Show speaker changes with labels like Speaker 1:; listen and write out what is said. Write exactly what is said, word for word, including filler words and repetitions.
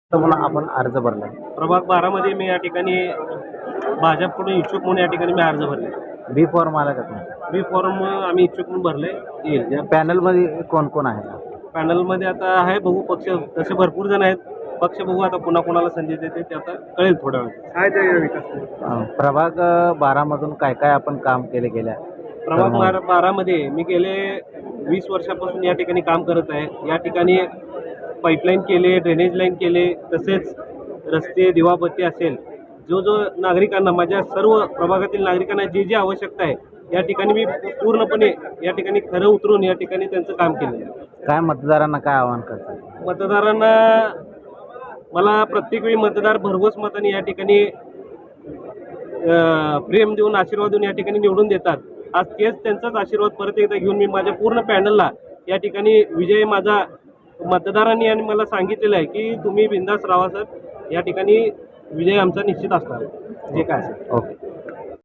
Speaker 1: म्हणून आपण अर्ज भरला.
Speaker 2: प्रभाग बारा मध्ये मी या ठिकाणी भाजपकडून इच्छुक म्हणून या ठिकाणी मी अर्ज भरले.
Speaker 1: बी फॉर्म आला का तुमचा?
Speaker 2: बी फॉर्म आम्ही इच्छुक म्हणून भरले. येईल
Speaker 1: या पॅनल मध्ये कोण कोण आहे?
Speaker 2: पॅनल मध्ये आता आहे बघू, पक्ष तसे भरपूर जण आहेत. पक्ष बघू आता पुन्हा कोणाला संधी देते ते आता कळेल थोड्या वेळात.
Speaker 3: काय ते विकास
Speaker 1: अं, प्रभाग बारा मधून काय काय आपण काम केले गेल्या?
Speaker 2: प्रभाग बारा बारा मध्ये मी गेले वीस वर्षापासून या ठिकाणी काम करत आहे. या ठिकाणी पाईपलाईन केले, ड्रेनेज लाईन केले, तसेच रस्ते, दिवाबत्ती असेल, जो जो नागरिकांना, माझ्या सर्व प्रभागातील नागरिकांना जे जे आवश्यकता आहे या ठिकाणी मी पूर्णपणे या ठिकाणी खरं उतरून या ठिकाणी त्यांचं काम केलेलं आहे.
Speaker 1: काय मतदारांना काय आवाहन करतात?
Speaker 2: मतदारांना मला प्रत्येक वेळी मतदार भरघोस मताने या ठिकाणी अं, प्रेम देऊन, आशीर्वाद देऊन या ठिकाणी निवडून देतात. आज तेच त्यांचाच आशीर्वाद परत एकदा घेऊन मी माझ्या पूर्ण पॅनलला या ठिकाणी विजय माझा मतदारांनी आणि मला सांगितलेलं आहे की तुम्ही बिंदास राहा सर, या ठिकाणी विजय आमचा निश्चित असणार जे काय असेल.
Speaker 1: ओके.